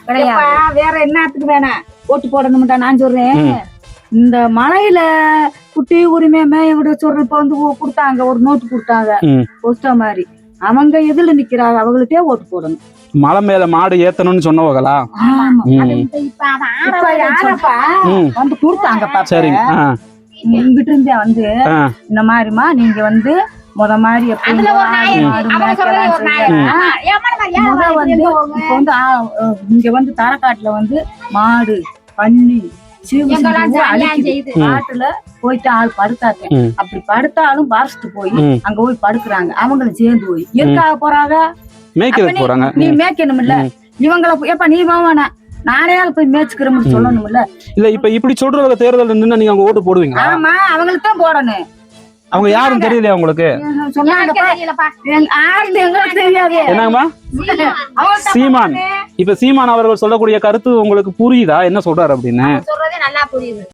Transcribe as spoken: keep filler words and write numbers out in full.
வேற என்னத்துக்கு வேணாம் ஓட்டு போடணும்டா நான் சொல்றேன். இந்த மலையில குட்டி உரிமை மேய சொல்ற இப்ப வந்து கொடுத்தாங்க ஒரு நோட்டு கொடுத்தாங்க போஸ்டா மாதிரி. அவங்க எதுல நிக்கிறாங்க அவங்களுக்கே ஓட்டு போடணும். மலை மேல மாடு ஏத்தணும்னு சொன்னவங்களா வந்து கொடுத்தாங்கப்பா. சரிங்க. இங்கிட்ட இருந்தே வந்து இந்த மாதிரிமா நீங்க வந்து முத மாதிரி எப்படி முத வந்து இப்ப வந்து இங்க வந்து தரக்காட்டுல வந்து மாடு பன்னி காட்டுல போயிட்டு ஆள் படுத்தாங்க. அப்படி படுத்தாலும் பாரிச்சுட்டு போய் அங்க போய் படுக்குறாங்க. அவங்களும் சேர்ந்து போய் எதுக்காக போறாங்க? நீ மேய்க்கணும் இல்ல இவங்களை எப்ப நீ வாவானா நானே போய் மேய்ச்சுக்கிறோம்னு சொல்லணும்ல. இல்ல இப்ப இப்படி சொல்றவங்க தேர்தல் நின்று நீங்க அவங்க ஓட்டு போடுவீங்க? ஆமா அவங்களுக்கு தான் போடணும். அவங்க யாரும் தெரியலையா உங்களுக்கு? என்னங்கம்மா சீமான். இப்ப சீமான் அவர்கள் சொல்லக்கூடிய கருத்து உங்களுக்கு புரியுதா? என்ன சொல்றாரு அப்படின்னு? சொல்றதே நல்லா புரியுது.